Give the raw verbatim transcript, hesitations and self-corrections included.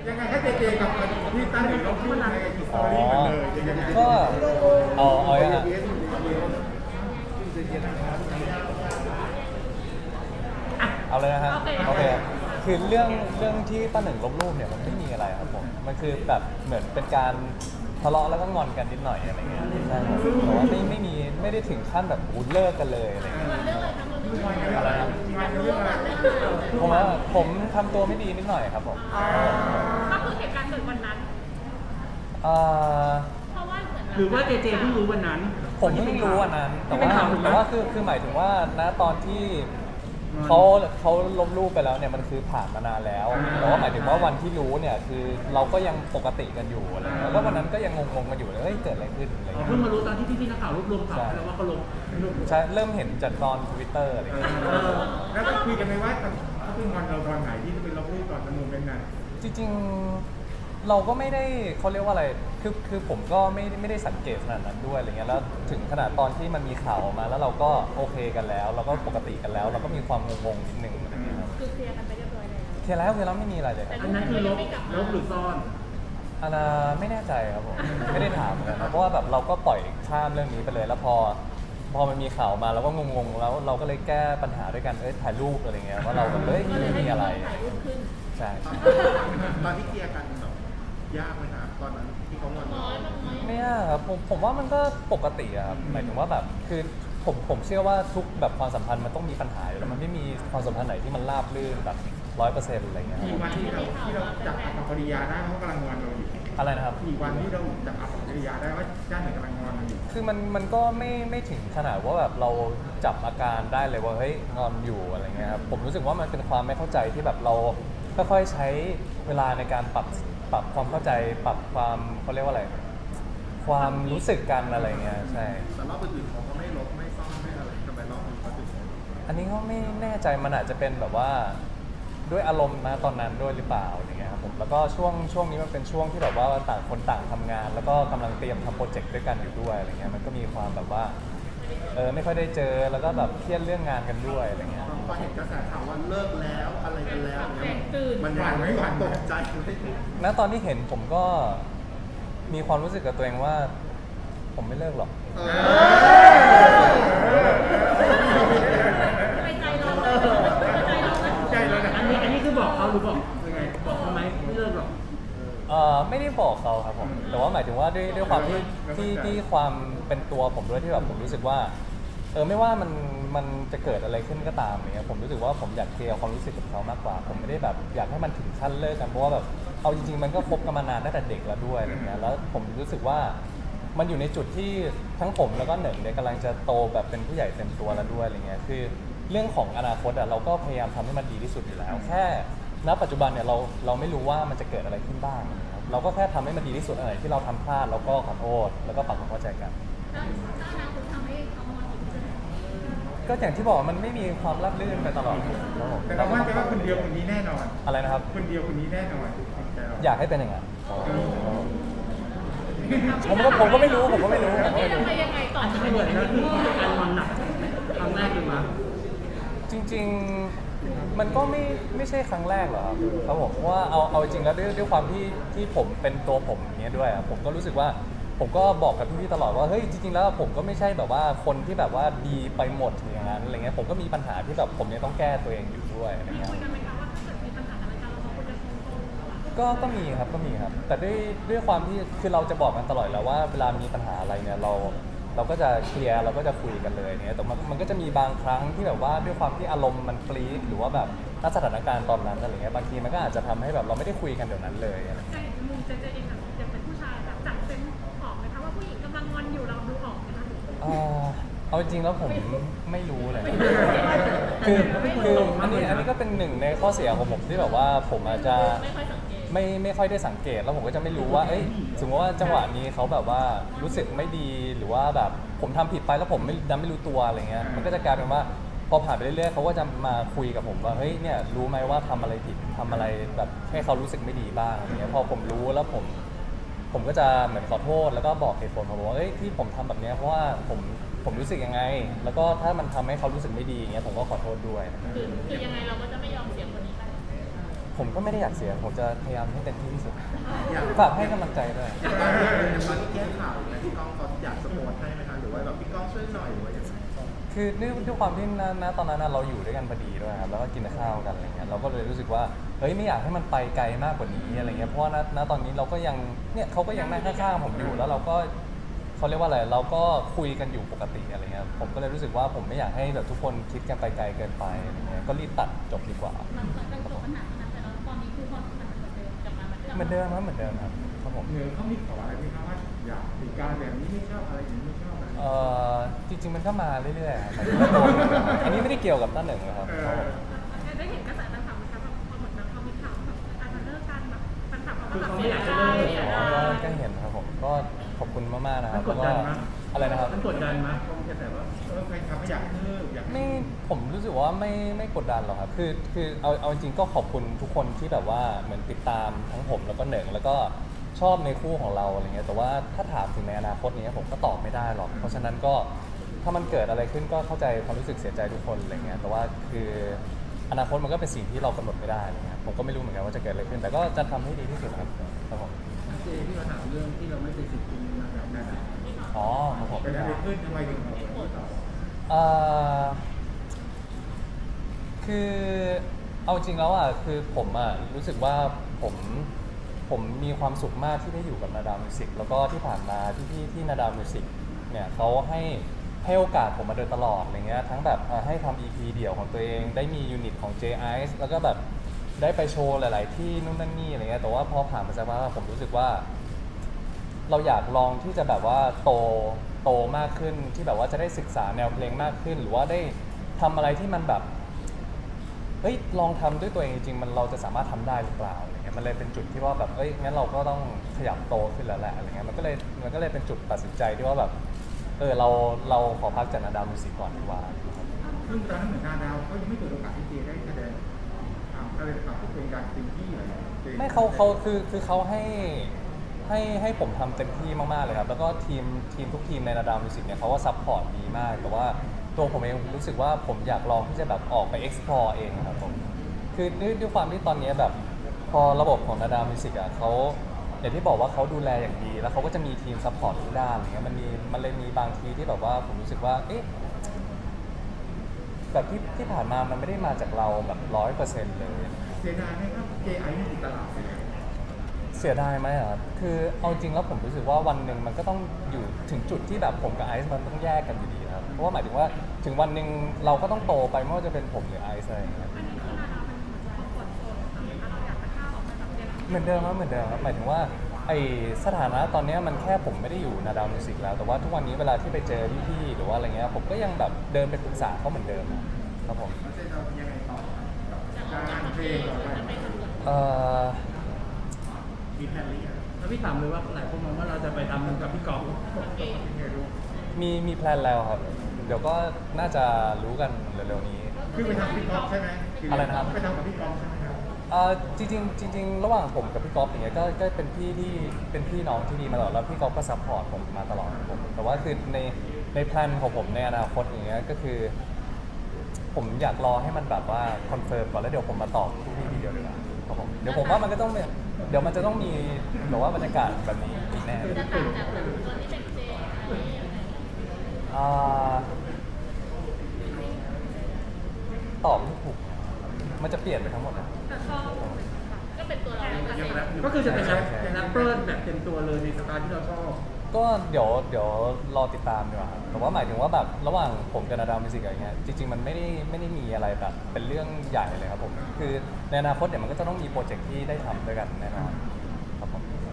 ยังไงให้เจเจกับพี่ตั้นหรือเราพูดในสตอรี่มันเลยยังไงก็เอาเอาอย่างฮะเอาเลยนะฮะโอเคคือเรื่องเรื่องที่ป้าหนึ่งลบรูปเนี่ยมันไม่มีอะไรครับผมมันคือแบบเหมือนเป็นการทะเลาะแล้วก็งอนกันนิดหน่อยอะไรเงี้ยใช่ครับแต่ว่าไม่ไม่มีไม่ได้ถึงขั้นแบบอู้เลิกกันเลยอะไรเงี้ยอะไรนะผมว่าผมทำตัวไม่ดีนิดหน่อยครับผมก็คือเหตุการณ์เกิดวันนั้นเอ่อเพราะว่าเหมือนหรือว่าเจเจเพิ่งรู้วันนั้นผมเพิ่งรู้วันนั้นแต่ว่าแต่ว่าคือคือหมายถึงว่าณตอนที่เขาเขาลบรูปไปแล้วเนี่ยมันคือผ่านมานานแล้วแต่ว่าหมายถึงว่าวันที่รู้เนี่ยคือเราก็ยังปกติกันอยู่อะไรเงี้ยแล้ววันนั้นก็ยังงงๆกันอยู่เลยเฮ้ยเกิดอะไรขึ้นอะไรเงี้ยเพิ่งมารู้ตอนที่พี่ๆนักข่าวรวบรวมข่าวแล้วว่าเขาลงใช่เริ่มเห็นจากตอนทวิตเตอร์อะไรเงี้ยแล้วก็คุยกันไหมว่าเขาเป็นวันเราตอนไหนที่จะเป็นลบรูปก่อนจำนวนเป็นไงจริงๆเราก็ไม่ได้เขาเรียกว่าอะไรคือคือผมก็ไม่ไม่ได้สังเกตขนาดนั้นด้วยอะไรเงี้ยแล้วถึงขนาดตอนที่มันมีข่าวออกมาแล้วเราก็โอเคกันแล้วเราก็ปกติกันแล้วเราก็มีความงงๆนิดนึงอะไรเงี้ยครับคือเคลียร์กันไปเรียบร้อยแล้วเคลียร์แล้วเคลียร์แล้วไม่มีอะไรเลยอันนั้นคือลบลบหรือซ่อนอันน่ะไม่แน่ใจครับผมไม่ได้ถามเหมือนกันนะเพราะว่าแบบเราก็ปล่อยข้ามเรื่องนี้ไปเลยแล้วพอพอมันมีข่าวมาเราก็งงๆแล้วเราก็เลยแก้ปัญหาด้วยกันเอ้ยถ่ายรูปอะไรเงี้ยว่าเราแบบเฮ้ยไม่มีอะไรใช่ตอนที่เคลียร์กันแบบยากไหมครับตอนนั้นที่เขางอนไม่ยากครับผมผมว่ามันก็ปกติอะครับหมายถึงว่าแบบคือผมผมเชื่อว่าทุกแบบความสัมพันธ์มันต้องมีปัญหาอยู่แล้วมันไม่มีความสัมพันธ์ไหนที่มันราบรื่นแบบร้อยเปอร์เซ็นต์อะไรเงี้ยกี่วันที่เราที่เราจับอัปปกิริยาได้เขากำลังงอนเราอยู่อะไรนะครับกี่วันที่เราจับอัปปกิริยาได้ว่าด้านไหนกำลังงอนเราอยู่คือมันมันก็ไม่ไม่ถึงขนาดว่าแบบเราจับอาการได้เลยว่าเฮ้ยงอนอยู่อะไรเงี้ยครับผมรู้สึกว่ามันเป็นความไม่เข้าใจที่แบบเราค่อยๆใช้เวลาในการปรับปรับความเข้าใจปรับความเขาเรียกว่าอะไรความรู้สึกกันอะไรเงี้ยใช่แต่รอบอื่นๆเขาก็ไม่ลบไม่ซ่อนไม่อะไรทำไมรอบนี้เขาถึงอันนี้ก็ไม่แน่ใจมันอาจจะเป็นแบบว่าด้วยอารมณ์นะตอนนั้นด้วยหรือเปล่าอย่างเงี้ยครับผมแล้วก็ช่วงช่วงนี้มันเป็นช่วงที่แบบว่าต่างคนต่างทำงาน แล้วก็กำลังเตรียมทำโปรเจกต์ด้วยกันอยู่ด้วยอะไรเงี้ยมันก็มีความแบบว่าเออไม่ค่อยได้เจอแล้วก็แบบเครียดเรื่องงานกันด้วยอะไรเงี้ยพอเห็นกระแสข่าวว่าเลิกแล้วอะไรกันแล้วเนี่ยมันหวั่นไม่หวั่นตกใจณตอนที่เห็นผมก็มีความรู้สึกกับตัวเองว่าผมไม่เลิกหรอกไปใจเราใจเราใจเราอันนี้อันนี้คือบอกเขาหรือบอกยังไงบอกเขาไหมไม่เลิกหรอกเอ่อไม่ได้บอกเขาครับผมแต่ว่าหมายถึงว่าด้วยด้วยความที่ที่ที่ความเป็นตัวผมด้วยที่แบบผมรู้สึกว่าเออไม่ว่ามันมันจะเกิดอะไรขึ้นก็ตามเนี่ยผมรู้สึกว่าผมอยากเคลียร์ความรู้สึกกับเขามากกว่าผมไม่ได้แบบอยากให้มันถึงขั้นเลิกกันเพราะว่าแบบเอาจริงๆมันก็คบกันมานานตั้งแต่เด็กแล้วด้วยอะไรเงี้ยแล้วผมรู้สึกว่ามันอยู่ในจุดที่ทั้งผมแล้วก็เหนึ่งเนี่ยกำลังจะโตแบบเป็นผู้ใหญ่เต็มตัวแล้วด้วยอะไรเงี้ยคือเรื่องของอนาคตอ่ะเราก็พยายามทำให้มันดีที่สุดอยู่แล้วแค่ณปัจจุบันเนี่ยเราเราไม่รู้ว่ามันจะเกิดอะไรขึ้นบ้างนะครับเราก็แค่ทำให้มันดีที่สุดอะไรที่เราทำพลาดเราก็ขอโทษแล้วก็ปรับความเข้าใจกันก็อย่างที่บอกมันไม่มีความราบรื่นไปตลอดแต่เรามั่นใจว่าคนเดียวคนนี้แน่นอนอะไรนะครับคนเดียวคนนี้แน่นอนอยากให้เป็นอย่างนั้นผมก็ผมก็ไม่รู้ผมก็ไม่รู้ผมก็ไม่รู้ยังไงต่อที่เหมือนแล้วคือการมันหนักครั้งแรกเลยมั้ยจริงๆมันก็ไม่ไม่ใช่ครั้งแรกหรอกครับครับผมว่าเอาเอาจริงแล้วด้วยด้วยความที่ที่ผมเป็นตัวผมอย่างเงี้ยด้วยผมก็รู้สึกว่าผมก็บอกกับพี่ๆตลอดว่าเฮ้ยจริงๆแล้วผมก็ไม่ใช่แบบว่าคนที่แบบว่าดีไปหมดอย่างนั้นอะไรเงี้ยผมก็มีปัญหาที่แบบผมยังต้องแก้ตัวเองอยู่ด้วยอะไรเงี้ยก็ก็มีครับก็มีครับแต่ด้วยด้วยความที่คือเราจะบอกกันตลอดแล้วว่าเวลามีปัญหาอะไรเนี่ยเราเราก็จะเคลียร์เราก็จะคุยกันเลยเนี่ยแต่มันมันก็จะมีบางครั้งที่แบบว่าด้วยความที่อารมณ์มันปรี๊ดหรือว่าแบบณสถานการณ์ตอนนั้นอะไรเงี้ยบางทีมันก็อาจจะทำให้แบบเราไม่ได้คุยกันเดี๋ยวนั้นเลยอะไรใจมุมเจเจเองแบบยังเป็นผู้ชายแบบจับเซนออกไหมคะว่าผู้หญิงกำลังงอนอยู่เราดูออกไหมคะเอาจริงแล้วผมไม่รู้เลยคือคืออันนี้อันนี้ก็เป็นหนึ่งในข้อเสียของผมที่แบบว่าผมอาจจะไม่ไม่ค่อยได้สังเกตแล้วผมก็จะไม่รู้ว่าเอ้ยสมมติว่าจังหวะนี้เขาแบบว่ารู้สึกไม่ดีหรือว่าแบบผมทำผิดไปแล้วผมไม่ดันไม่รู้ตัวอะไรเงี้ยมันก็จะกลายเป็นว่าพอผ่านไปเรื่อยๆเขาก็จะมาคุยกับผมว่าเฮ้ยเนี่ยรู้ไหมว่าทำอะไรผิดทำอะไรแบบให้เขารู้สึกไม่ดีบ้างอะไรเงี้ยพอผมรู้แล้วผมผมก็จะเหมือนขอโทษแล้วก็บอกเหตุผลผมว่าเอ้ยที่ผมทำแบบนี้เพราะว่าผมผมรู้สึกยังไงแล้วก็ถ้ามันทำให้เขารู้สึกไม่ดีอย่างเงี้ยผมก็ขอโทษด้วยคือคือยังไงเราก็จะไม่ยอมเสียคนนี้ไปผมก็ไม่ได้อยากเสียผมจะพยายามให้เต็มที่ที่สุดอยากฝากให้กำลังใจด้วยอย่างตอนที่อย่างตอนที่แก้ข่าวอย่างเงี้ยพี่ก้องเขาอยากสปอร์ตให้ไหมคะหรือว่าแบบพี่ก้องช่วยหน่อยหรือว่าอย่างไรคือด้วยด้วยความที่ณณตอนนั้นน่ะเราอยู่ด้วยกันพอดีด้วยครับแล้วก็กินข้าวกันอะไรเงี้ยเราก็เลยรู้สึกว่าเฮ้ยไม่อยากให้มันไปไกลมากกว่านี้อะไรเงี้ยเพราะว่าณณตอนนี้เราก็ยังเนี่ยเขาก็ยังนั่งข้างๆผมอยู่แล้วเราก็เขาเรียกว่าอะไรเราก็คุยกันอยู่ปกติอะไรเงี้ยผมก็เลยรู้สึกว่าผมไม่อยากให้แบบทุกคนคิดกันไปไกลเกินไปอะไรเงี้ยก็รีบตัดจบดีกว่าหลังจากจบปัญหานั้นไปแล้วตอนนี้คือความสัมพันธ์เหมือนเดิมกลับมาเหมือนเดิมเหมือนเดิมครับเหมือนเดิมครับครับผมเหนือเขามีขออะไรไหมครับว่าอยากติดการแบบนี้ไม่ชอบอะไรอย่างนี้ไม่ชอบอะไรเอ่อจริงๆมันก็มาเรื่อยๆครับอันนี้ไม่ได้เกี่ยวกับต้าเหนึ่งนะครับครับผมได้เห็นกระแสแฟนคลับไหมคะพอเหมือนแบบพอมีข่าวแบบอาจจะเลิกกันแบบแฟนคลับเขาก็แบบเสียใจเสียอ๋อดายก็ก็เห็นครับผมก็ขอบคุณมากๆนะคมัรันบกดดันไหมอะไรนะครับมันกดดันไหมคงจะแต่ว่าเออแฟนคลับไม่อยากเลิกอยากไม่ผมรู้สึกว่าไม่ไม่กดดันหรอกครับคือคือเอาเอาจริงๆก็ขอบคุณทุกคนที่แบบว่าเหมือนติดตามทั้งผมแล้วก็เหนึ่งแล้วก็ชอบในคู่ของเราอะไรเงี้ยแต่ว่าถ้าถามถึงในอนาคตเนี้ยผมก็ตอบไม่ได้หรอกเพราะฉะนั้นก็ถ้ามันเกิดอะไรขึ้นก็เข้าใจความรู้สึกเสียใจทุกคนอะไรเงี้ยแต่ว่าคืออนาคตมันก็เป็นสิ่งที่เรากำหนดไม่ได้อะไรเงี้ยผมก็ไม่รู้เหมือนกันว่าจะเกิดอะไรขึ้น แต่ก็จะทำให้ดีที่สุดครับครับผมเจที่มาถามเรื่องที่เราไม่เป็นสิทธิ์จริงนะครับนั่นน่ะอ๋อครับผมเป็นอะไรขึ้นทำไมถึงเอาที่ต่อเอ่อคือเอาจริงแล้วอ่ะคือผมอ่ะรู้สึกว่าผมผมมีความสุขมากที่ได้อยู่กับนาดาวมิวสิกแล้วก็ที่ผ่านมาที่ที่ที่นาดาวมิวสิกเนี่ยเขาให้ให้โอกาสผมมาโดยตลอดอะไรเงี้ยทั้งแบบเอ่อให้ทำ อี พี เดี่ยวของตัวเองได้มียูนิตของ J Ice แล้วก็แบบได้ไปโชว์หลาย ๆ ที่นู่นนั่นนี่อะไรเงี้ยแต่ว่าพอผ่านมาสักพักผมรู้สึกว่า เราอยากลองที่จะแบบว่าโตโตมากขึ้นที่แบบว่าจะได้ศึกษาแนวเพลงมากขึ้น หรือว่าได้ทำอะไรที่มันแบบเฮ้ยลองทำด้วยตัวเองจริงๆมันเราจะสามารถทำได้หรือเปล่าอะไรเงี้ยมันเลยเป็นจุดที่ว่าแบบเอ้ยงั้นเราก็ต้องขยับโตขึ้นแล้วแหละอะไรเงี้ยมันก็เลยมันก็เลยเป็นจุดตัดสินใจที่ว่าแบบเออเราเราขอพักจากนาดาวมิวสิกก่อนดีกว่าซึ่งตอนนั้นเหมือนนาดาวเขายังไม่เปิดโอกาสให้เจได้แสดงทำอะไรทำทุกเป็นการเต็มที่เลยจไม่เขาเขาคือคือเขาให้ให้ให้ผมทำเต็มที่มากๆเลยครับแล้วก็ทีมทีมทุกทีมในนาดาวมิวสิกเนี่ยเขาก็ซัพพอร์ตดีมากแต่ว่าตัวผมเองรู้สึกว่าผมอยากลองที่จะแบบออกไป explore เองครับผมคือด้วยด้วยความที่ตอนนี้แบบพอระบบของนาดาวมิวสิกอ่ะเขาอย่างที่บอกว่าเขาดูแลอย่างดี แล้วเขาก็จะมีทีมซัพพอร์ตทุกด้านอย่างเงี้ยมันมีมันเลยมีบางทีที่แบบว่าผมรู้สึกว่าเอ๊ะแบบที่ที่ผ่านมามันไม่ได้มาจากเราแบบร้อยเปอร์เซ็นต์เลยเสียดายไหมครับเจไอไม่ติดตลาดเลยเสียดายไหมอะครับคือเอาจริงแล้วผมรู้สึกว่าวันหนึ่งมันก็ต้องอยู่ถึงจุดที่แบบผมกับไอซ์มันต้องแยกกันอยู่ดีครับ เพราะว่าหมายถึงว่าถึงวันหนึ่งเราก็ต้องโตไปไม่ว่าจะเป็นผมหรือไอซ์อะไรอย่างเงี้ยอันนี้คือนาดาวมันเหมือนคอมฟอร์ตโซนของเราเราอยากจะก้าวออกมาจากเดิมเหมือนเดิมครับเหมือนเดิมครับหมายถึงว่าไอสถานะตอนเนี้ยมันแค่ผมไม่ได้อยู่นาดาวมิวสิกแล้ว แต่ว่าทุกวันนี้เวลาที่ไปเจอพี่ๆหรือว่าอะไรเงี้ยผมก็ยังแบบเดินไปปรึกษาเขาเหมือนเดิมครับผมแล้วเจจะยังไงต่อกับการเพลงต่อไปเอ่อมีแพลนหรือยังแล้วพี่ถามเลยว่าหลายคนมองว่าเราจะไปทำมันกับพี่กอล์ฟยังไงรู้มีมีแพลนแล้วครับ เดี๋ยวก็น่าจะรู้กันเร็วๆนี้คือไปทำกับพี่ก๊อฟใช่ไหมอะไรนะครับไปทำกับพี่ก๊อฟใช่ไหมครับเอ่อจริงๆจริงๆระหว่างผมกับพี่ก๊อฟอย่างเงี้ยก็ก็เป็นพี่ที่เป็นพี่น้องที่ดีมาตลอดแล้วพี่ก๊อฟก็ซัพพอร์ตผมมาตลอดครับผมแต่ว่าคือในในแพลนของผมในอนาคตอย่างเงี้ยก็คือ ผมอยากรอให้มันแบบว่าคอนเฟิร์มก่อนแล้วเดี๋ยวผมมาตอบพี่ทีเดียวดีกว่าครับผมเดี๋ยวผมว่ามันก็ต้องเนี่ยเดี๋ยวมันจะต้องมีแบบว่าบรรยากาศแบบนี้อีกแน่จะต่างจากแบบตอนที่เป็นเจอะไรอย่างเงี้ยอ่าตอบไม่ถูกมันจะเปลี่ยนไปทั้งหมดนะแต่ชอบก็เป็นตัวเราเปอร์เซ็นต์ก็คือจะเป็นแรปเป็นแรปเปอร์แบบเต็มตัวเลยในสไตล์ที่เราชอบก็เดี๋ยวเดี๋ยวรอติดตามดีกว่าครับแต่ว่าหมายถึงว่าแบบระหว่างผมกับนาดาวมิวสิกอะไรเงี้ยจริงๆมันไม่ได้ไม่ได้มีอะไรแบบเป็นเรื่องใหญ่เลยครับผมคือในอนาคตเดี๋ยวมันก็จะต้องมีโปรเจกต์ที่ได้ทำด้วยกันแน่นอนครับผมเจ